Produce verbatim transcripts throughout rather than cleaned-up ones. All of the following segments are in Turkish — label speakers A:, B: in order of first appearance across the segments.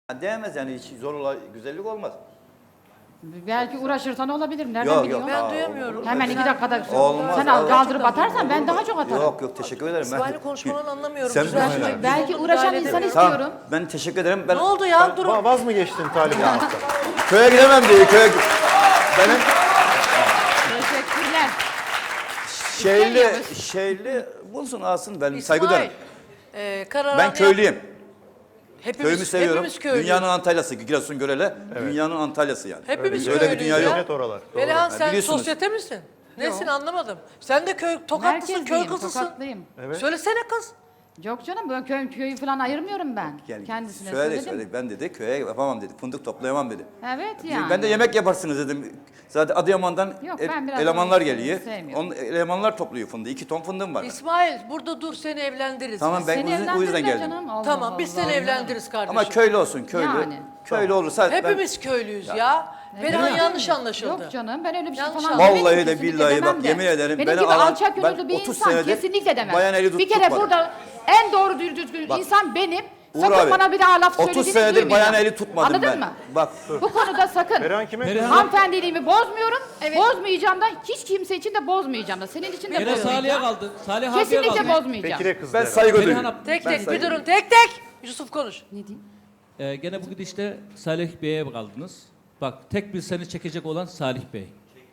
A: Değmez yani, hiç zor olay, güzellik olmaz.
B: Belki uğraşırsan olabilir. Nereden
A: Yok,
B: biliyorsun?
A: yok.
C: Ben
A: Aa,
C: duyamıyorum.
B: Hemen iki dakikada
A: Olmaz,
B: sen
A: Allah
B: kaldırıp
C: aşkına.
B: atarsan ben daha çok atarım.
A: Yok yok, teşekkür ederim.
C: İsmail'in konuşmalarını anlamıyorum.
A: Sen
C: Güzel
A: bilirsin.
C: şey.
B: Belki
C: Biz onu
B: uğraşan
C: müdahale
B: insan
C: edemiyoruz.
B: istiyorum.
A: Ben teşekkür ederim. Ben
C: Ne oldu ya? Durun.
D: Va- Vaz mı geçtin talimattan?
A: köye gidemem diye köye... Benim
B: Teşekkürler.
A: şeyli, şeyli bulsun alsın, ben saygı
C: İsmail,
A: duyarım.
C: e, kararını
A: Ben
C: yap-
A: köylüyüm.
C: Hepimiz,
A: Köyümü seviyorum.
C: Hepimiz köylüyüz.
A: Dünyanın Antalya'sı, Giresun Görele. Dünyanın Antalya'sı yani.
C: Hepimiz
A: Öyle bir
C: köylüyüz
A: dünya
C: ya.
A: yok.
D: Cennet oralar.
C: Perihan sen
A: biliyorsunuz.
C: sosyete misin? Nesin anlamadım. Sen de köy, tokatlısın, köy
B: Merkezdeyim,
C: kızısın.
B: tokatlıyım.
C: Söylesene kız.
B: Yok canım, ben köy, köyü falan ayırmıyorum ben.
A: Yani
B: Kendisine
A: söyle
B: söyledim.
A: söyle, ben dedi köye yapamam dedi. Fındık toplayamam dedi.
B: Evet yani.
A: Ben de yemek yaparsınız dedim. Zaten Adıyaman'dan
B: Yok,
A: el-
B: ben biraz
A: elemanlar
B: öyle
A: geliyor.
B: sevmiyorum.
A: Onun elemanlar topluyor fındığı. İki ton fındığım var.
C: İsmail burada dur seni evlendiririz.
A: Tamam,
C: biz.
A: ben
B: Seni
A: o yüzden- o yüzden
B: evlendirdiler
A: geldim.
B: canım. Allah
C: Tamam biz
B: Allah.
C: seni evlendiririz kardeşim.
A: Ama köylü olsun, köylü.
B: Yani.
A: Köylü olursa ben...
C: Hepimiz köylüyüz ya. Perihan yanlış anlaşıldı.
B: Yok canım, ben öyle bir şey
C: Yanlış
B: falan
C: anladın.
B: demedim,
A: Vallahi de
B: kesinlikle
A: billahi
B: demem
A: bak,
B: de.
A: yemin ederim
B: Benim
A: beni
B: gibi
A: alan-
B: alçak
A: ben
B: gönüllü bir
A: otuz
B: insan
A: senedir
B: kesinlikle demem.
A: bayan eli
B: Bir kere
A: tutmadım.
B: burada en doğru düzgün
A: Bak,
B: insan benim.
A: Uğur
B: Sakın
A: abi,
B: bana bir daha laf söylediğini
A: otuz senedir
B: duymayacağım.
A: bayan eli tutmadım
B: Anladın
A: ben.
B: mı?
A: Bak.
B: Bu konuda sakın.
D: Perihan kime?
B: Hanımefendiliğimi bozmuyorum. Bozmayacağım da hiç kimse için de bozmayacağım da. Senin için de
E: Gene Salih'e
B: bozmayacağım.
E: kaldı. Salih abiye
B: Kesinlikle
E: kaldı.
B: bozmayacağım.
D: Bekir'e kızdı
A: Ben
D: herhalde.
A: saygı
E: Perihan
A: duyuyorum.
E: ab-
C: Tek
A: Ben
C: tek bir
A: saygı
C: durun tek tek. Yusuf konuş.
B: Ne diyeyim?
E: Ee, gene bu gidişte Salih Bey'e kaldınız. Bak tek bir seni çekecek olan Salih Bey.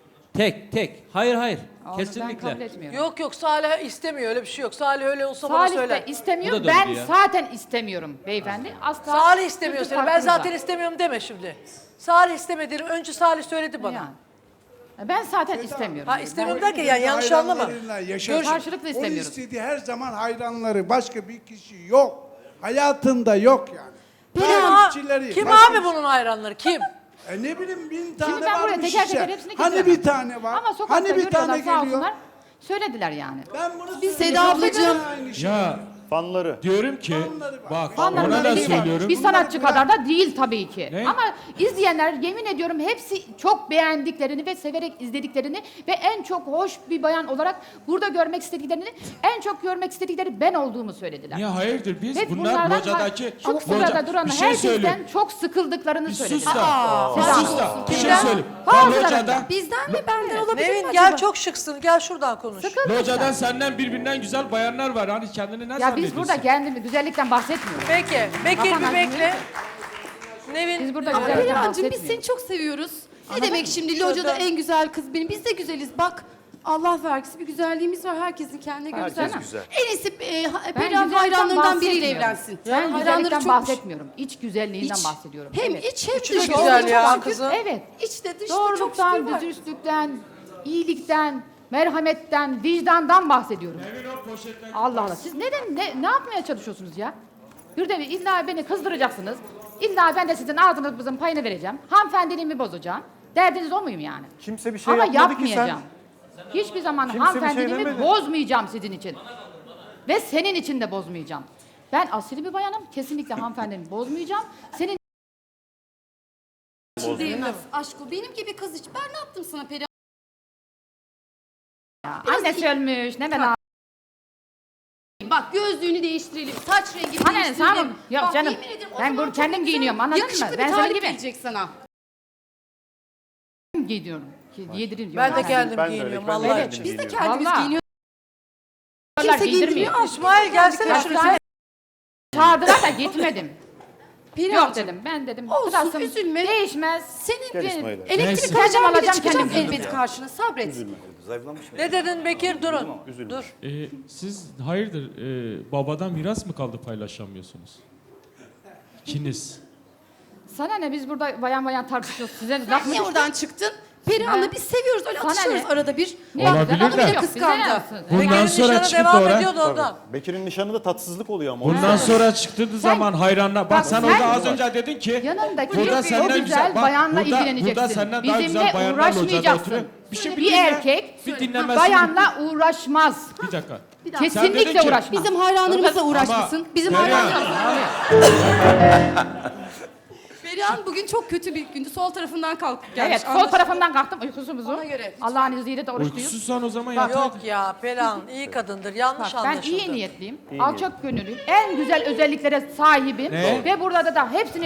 E: Tek tek. Hayır hayır.
B: Onu ben kabul
E: Kesinlikle.
B: etmiyorum.
C: Yok yok Salih istemiyor öyle bir şey yok. Salih öyle olsa bana
B: Salih
C: söyler.
B: de istemiyor.
E: Bu da
B: Ben
E: döndü ya.
B: zaten istemiyorum beyefendi. Asla.
C: Salih istemiyor
B: kültür
C: seni. Ben
B: farkımız
C: zaten
B: var.
C: istemiyorum deme şimdi. Salih istemediğini önce Salih söyledi bana.
B: Yani. Ben zaten istemiyorum.
C: Ha istemiyorum derken yani yanlış anlama.
B: Görüş- Karşılıklı
F: O
B: istemiyoruz.
F: istediği her zaman hayranları, başka bir kişi yok. Hayatında yok yani.
C: Kim,
F: Takipçileri,
C: ha- kim
F: başka
C: abi
F: bir-
C: bunun hayranları? Kim?
F: E ne bileyim bin tane
B: Şimdi ben buraya
F: varmış
B: teker
F: işte.
B: teker hepsini
F: Hani
B: getiremem.
F: bir tane var?
B: Ama sokakta
F: Hani bir
B: görüyorlar
F: tane
B: sağ
F: geliyor?
B: olsunlar. Söylediler yani.
F: Ben bunu
G: Biz
F: söylüyorum.
G: Seda ablacığım-
F: Aynı şey.
H: Ya
D: Fanları.
H: diyorum ki
F: Fanları var.
H: bak
B: Fanların
H: ona da
B: öyle değil de
H: söylüyorum.
B: bir sanatçı kadar da değil tabii ki.
H: Ne?
B: Ama izleyenler yemin ediyorum hepsi çok beğendiklerini ve severek izlediklerini ve en çok hoş bir bayan olarak burada görmek istediklerini, en çok görmek istedikleri ben olduğumu söylediler.
H: Niye hayırdır biz
B: Ve
H: bunlar
B: bunlardan
H: locadaki
B: çok
H: loca-
B: sırada duran
H: bir şey söyle.
B: herkesten çok sıkıldıklarını
H: Bir sus
B: söylediler.
H: da. Bir
B: Seda
H: sus
B: Hanım.
H: da. Bir şey
B: Kimden?
H: söyle.
B: Bazılarından.
H: Ben locada
G: Bizden mi benden olabilir mi
C: Nevin
G: acaba?
C: gel çok şıksın. Gel şuradan konuş.
B: Sıkılmışlar.
H: locadan senden birbirinden güzel bayanlar var. Hani kendini ne
B: Ya
H: zannediyorsun?
B: biz burada kendimiz güzellikten bahsetmiyoruz.
C: Peki. Bekir
B: Kafan
C: bir bekle.
B: açmıyor.
C: Nevin.
B: Biz burada
G: Ama
B: güzellikten
G: Perihan'cığım biz
B: bahsetmiyoruz.
G: seni çok seviyoruz. Ne
B: Anladın
G: demek
B: mı?
G: şimdi
C: Şurada-
G: locada en güzel kız benim. Biz de güzeliz bak. Allah vergisi bir güzelliğimiz var. Herkesin kendine göre
D: Herkes
G: güzel.
D: güzel.
G: En iyisi e, ha-
B: Ben
G: Perihan
B: güzellikten
G: hayranlarından biriyle
B: bahsetmiyorum.
G: evlensin.
B: Ben
G: Hayranları
B: güzellikten
G: çokmuş.
B: bahsetmiyorum. İç güzelliğinden
G: İç.
B: bahsediyorum.
G: Hem
B: Evet.
G: iç hem
C: İçi de
G: dış.
C: güzel ya
G: Çok şükür.
C: kızım.
B: Evet.
G: İç de dış da çok
B: Doğruluktan,
G: şükür var.
B: dürüstlükten, iyilikten, merhametten, vicdandan bahsediyorum. Allah Allah. Siz neden ne, ne yapmaya çalışıyorsunuz ya? Bir de illa beni kızdıracaksınız. İlla ben de sizin ağzınızın payını vereceğim. Hanımefendiliğimi bozacağım. Derdiniz o muyum yani?
D: Kimse bir şey
B: Ama
D: yapmadı ki sen.
B: yapmayacağım. Hiçbir zaman
D: Kimse bir şey
B: hanımefendiliğimi
D: demedi.
B: bozmayacağım sizin için. Ve senin için de bozmayacağım. Ben asil bir bayanım. Kesinlikle hanımefendiliğimi bozmayacağım. Senin
G: Diyemez. Aşko benim gibi kız hiç. Ben ne yaptım sana Perihan?
B: annesi ölmüş. Ne ben
G: Bak gözlüğünü değiştirelim. Saç rengini
B: Anne,
G: değiştirelim.
B: tamam. Yok
G: Bak,
B: canım.
G: yemin ederim o
B: Ben
G: zaman
B: bunu
G: çok
B: kendim
G: güzel,
B: giyiniyorum, anladın mı?
G: yakışıklı
B: Ben
G: bir
B: senin
G: talip
B: gibi.
G: gelecek sana.
B: giyiyorum. Ki Giydiririm.
C: Ben de
B: Yani.
C: kendim
D: Ben de
C: giyiniyorum
D: öyle, ben de
C: Allah
D: kendim
C: için.
G: Biz de
D: giyiniyorum.
G: kendimiz
B: Vallahi.
G: giyiniyoruz.
B: Bunlar
G: Kimse
B: giydirmiyor.
G: giydirmiyor.
C: İsmail gelsene
B: Kaç
C: şuraya.
B: tane çağırdılar da gitmedim.
G: Perihan
B: Yok dedim. Ben dedim.
G: Olsun,
B: kırasım
G: üzülme.
B: Değişmez.
G: Senin
D: Gel
G: bir
D: İsmail abi.
G: elektrik
H: Neyse.
G: alacağım
B: Kendim
G: biri
B: alacağım,
G: çıkacak
B: kendim
G: elbet
B: giyeceğim.
G: karşına. Sabret.
A: Zayıflamış mı?
C: Ne dedin Bekir? Durun. Dur.
H: Ee, siz hayırdır e, babadan miras mı kaldı paylaşamıyorsunuz? İkiniz.
B: Sana ne, biz burada bayan bayan tartışıyoruz. Size laf mı
G: Niye
B: düştü?
G: oradan çıktın? Perihan'la
B: Ha?
G: biz seviyoruz öyle
B: Sana
G: atışıyoruz
B: ne?
G: arada bir.
B: Ne yapacağız?
H: Olabilir
B: Onu
H: de.
B: biliyor.
G: Kıskandı.
B: Bize ne yapsın?
H: Bundan
C: Bekir'in
H: sonra
C: nişanı
H: çıkıp
C: devam
H: oraya-
C: ediyordu ondan.
D: Bekir'in nişanı da tatsızlık oluyor ama.
H: Bundan sonra çıktığı zaman hayranlar... Bak
B: Bak
H: sen
B: sen-
H: orada az önce dedin ki...
B: Yanındaki
H: Burada
B: o
H: senden
B: güzel,
H: güzel- bak,
B: bayanla
H: burada-
B: ilgileneceksin.
H: burada senden daha
B: Bizimle
H: güzel bayanlar locada
B: uğraşmayacaksın.
H: oturuyor. Bir şey
B: bir
H: bir dinle.
B: erkek
H: Bir dinlemezsin.
B: bayanla uğraşmaz.
H: Bir dakika. Sen dedin
B: Kesinlikle
H: ki-
B: uğraşmaz.
G: Bizim hayranlarımızla uğraşmasın. Bizim
H: Perihan,
G: hayranlarımız. Perihan bugün çok kötü bir gündü. Sol tarafından kalkıp gelmiş.
B: Evet, sol
G: Anlaşıldı.
B: tarafından kalktım uykusumuzu.
G: Ona göre.
B: Allah'ın izniyle de oruçluyuz.
H: Uykusuzsan o zaman yatağa...
C: Yok ya Perihan iyi kadındır. Yanlış
B: Bak, ben
C: anlaşıldı.
B: iyi niyetliyim, alçak gönüllüyüm, en güzel özelliklere sahibim
H: Ne?
B: ve burada da, da hepsini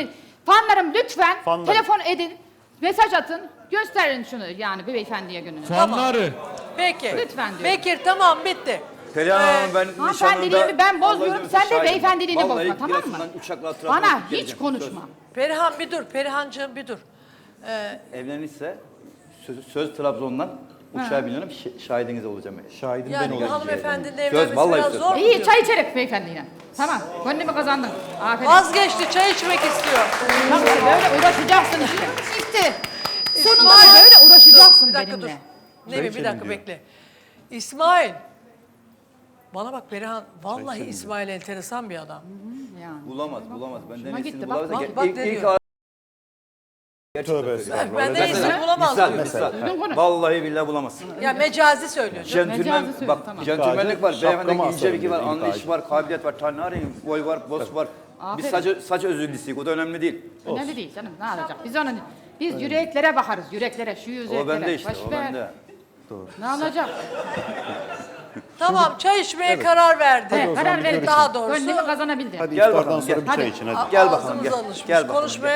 B: Fanlarım lütfen
D: Fanlarım.
B: telefon edin, mesaj atın, gösterin şunu yani bir beyefendiye gönlünü.
H: Fanları.
C: Peki.
B: Lütfen diyorum.
C: Bekir tamam bitti.
A: Perihan Hanım ben
B: Hanımefendiliğimi ben bozmuyorum,
A: Allah'ın
B: sen de
A: şahidim.
B: beyefendiliğini bozma,
A: Vallahi
B: tamam mı?
A: Giresun'dan uçakla Trabzon'a
B: Bana
A: gidip
B: hiç
A: geleceğim.
B: konuşma.
C: Perihan bir dur. Perihancığım bir dur. Ee,
A: Söz. Evlenirse söz, söz Trabzon'dan uçağa biniyorum, şi- şahidiniz olacağım.
D: Şahidim ben
C: yani bu
D: olacağım.
C: hanımefendinin
A: Söz,
C: evlenmesi
A: vallahi
C: biraz
A: söz.
C: zor mu
B: İyi
C: diyor?
B: çay içerek beyefendiyle. Tamam, gönlümü kazandın. Aferin.
C: Vazgeçti çay içmek istiyor.
B: Bak işte böyle uğraşacaksın işte.
G: Bitti.
B: Sonunda böyle uğraşacaksın
C: bir dakika dur.
B: benimle.
C: Ne bir
D: içelim
C: dakika
D: diyor.
C: bekle. İsmail. Bana bak Perihan. Vallahi İsmail enteresan bir adam.
B: Yani.
A: Bulamaz, bulamaz. Benden
B: Hoşuma
A: iyisini
B: gitti, bak,
A: bulamaz.
C: bak,
A: İlk-
C: bak
A: ilk-
C: ne
A: ilk
C: diyor.
D: Tövbe estağfurullah.
C: Benden
D: Öyle
C: iyisini
D: deme.
C: bulamaz
A: Misal,
C: diyor.
A: misal.
B: Duydun konuş.
A: Vallahi billahi bulamaz.
C: Ya mecazi söylüyor. canım.
A: Centilmen,
B: Mecazi söyle,
A: bak
B: tamam.
A: centilmenlik var,
D: Şapkamı
A: beyefendi
D: asarım
A: incelik var,
D: dedi, ilk
A: anlayış
D: ağacı.
A: var, kabiliyet var, tanrı arayın, boy var, boz var. Biz
B: Aferin.
A: sadece, sadece özürlüsüyük, o da önemli değil.
B: Önemli değil canım, ne olacak? Biz onun, biz yüreklere bakarız, yüreklere, şu yüreklere.
A: O bende işte,
B: Boş
A: o
B: ver.
A: bende.
B: Ne olacak?
C: Tamam çay içmeye karar verdi.
B: Evet, karar verin.
C: Daha doğrusu.
B: Gönlümü kazanabildim.
D: Hadi
A: Gel
D: iftardan
A: bakalım,
D: sonra
A: gel.
D: bir çay
B: Hadi.
D: için hadi.
A: Gel bakalım,
C: Ağzımız
A: gel.
C: alışmış.
A: Gel bakalım,
C: Konuşmaya